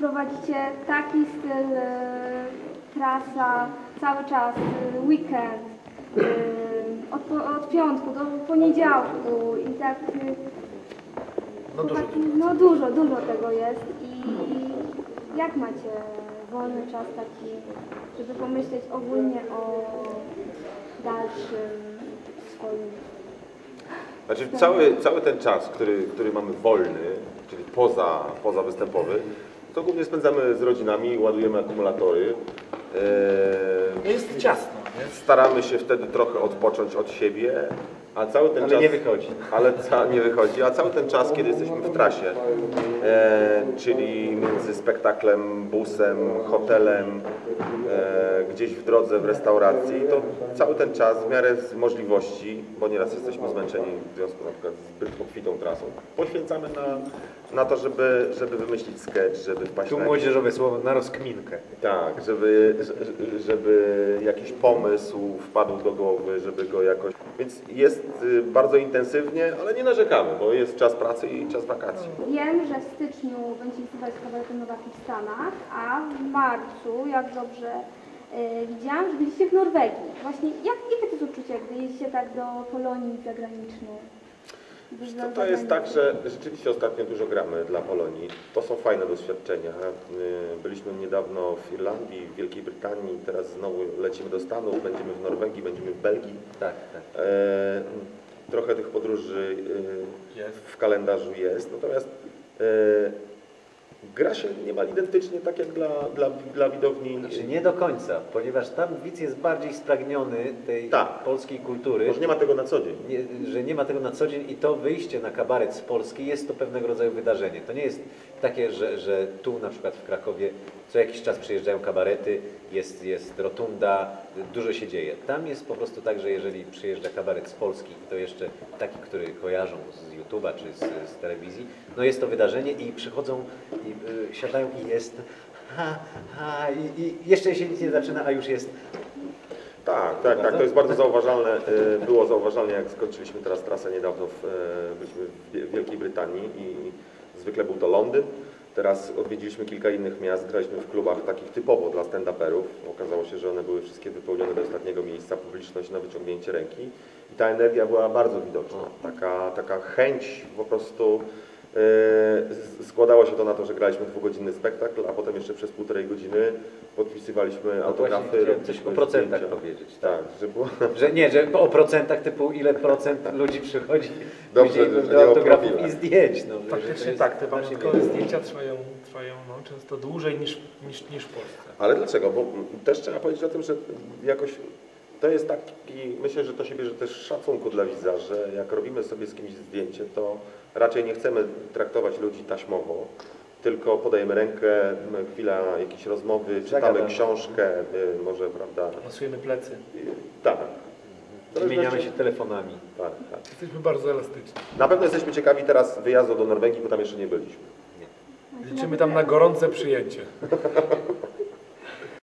prowadzicie taki styl, trasa, cały czas, weekend, od piątku do poniedziałku i tak... No dużo tego jest i jak macie wolny czas taki, żeby pomyśleć ogólnie o dalszym swoim... Znaczy cały ten czas, który mamy wolny, czyli poza występowy, to głównie spędzamy z rodzinami, ładujemy akumulatory. Jest ciasno, nie? Staramy się wtedy trochę odpocząć od siebie, a cały ten czas... nie wychodzi. Nie wychodzi, a cały ten czas, kiedy jesteśmy w trasie, czyli między spektaklem, busem, hotelem, gdzieś w drodze, w restauracji, to cały ten czas w miarę z możliwości, bo nieraz jesteśmy zmęczeni w związku na przykład z zbyt obfitą trasą, poświęcamy na to, żeby wymyślić sketch, żeby wpaść Tu na młodzieżowe słowo, na rozkminkę. tak, żeby jakiś pomysł wpadł do głowy, żeby go jakoś... Więc jest bardzo intensywnie, ale nie narzekamy, bo jest czas pracy i czas wakacji. Wiem, że w styczniu będziecie występować z kabaretem Nowaki w Stanach, a w marcu, jak dobrze widziałam, że będziecie w Norwegii. Właśnie jakie to jest uczucie, gdy jeździcie tak do Polonii zagranicznej? To jest tak, że rzeczywiście ostatnio dużo gramy dla Polonii. To są fajne doświadczenia. Byliśmy niedawno w Irlandii, w Wielkiej Brytanii, teraz znowu lecimy do Stanów, będziemy w Norwegii, będziemy w Belgii. Tak. Trochę tych podróży w kalendarzu jest, natomiast gra się niemal identycznie tak jak dla widowni. Znaczy nie do końca, ponieważ tam widz jest bardziej spragniony tej polskiej kultury. Może nie ma tego na co dzień. Że nie ma tego na co dzień i to wyjście na kabaret z Polski jest to pewnego rodzaju wydarzenie. To nie jest takie, że tu na przykład w Krakowie co jakiś czas przyjeżdżają kabarety, jest rotunda, dużo się dzieje. Tam jest po prostu tak, że jeżeli przyjeżdża kabaret z Polski i to jeszcze taki, który kojarzą z YouTube'a czy z telewizji, no jest to wydarzenie i przychodzą i siadają i jest i jeszcze się nic nie zaczyna, a już jest. Tak, to jest bardzo zauważalne. Było zauważalne, jak skończyliśmy teraz trasę niedawno, byliśmy w Wielkiej Brytanii i zwykle był to Londyn. Teraz odwiedziliśmy kilka innych miast, graliśmy w klubach takich typowo dla stand-uperów. Okazało się, że one były wszystkie wypełnione do ostatniego miejsca, publiczność na wyciągnięcie ręki. I ta energia była bardzo widoczna. Taka chęć po prostu. Składało się to na to, że graliśmy dwugodzinny spektakl, a potem jeszcze przez 1,5 godziny podpisywaliśmy autografy. Chciałem coś o procentach powiedzieć. Tak, że było... Że o procentach typu ile procent ludzi przychodzi Dobrze, do autografów i zdjęć. No, faktycznie tak, te pamiątkowe zdjęcia trwają często dłużej niż w Polsce. Ale dlaczego? Bo też trzeba powiedzieć o tym, że jakoś to jest taki, myślę, że to się bierze też szacunku dla widza, że jak robimy sobie z kimś zdjęcie, to raczej nie chcemy traktować ludzi taśmowo, tylko podajemy rękę, chwila jakiejś rozmowy, czytamy książkę, może, prawda? Masujemy plecy. Tak. Wymieniamy się telefonami. Tak. Jesteśmy bardzo elastyczni. Na pewno jesteśmy ciekawi teraz wyjazdu do Norwegii, bo tam jeszcze nie byliśmy. Liczymy tam na gorące przyjęcie.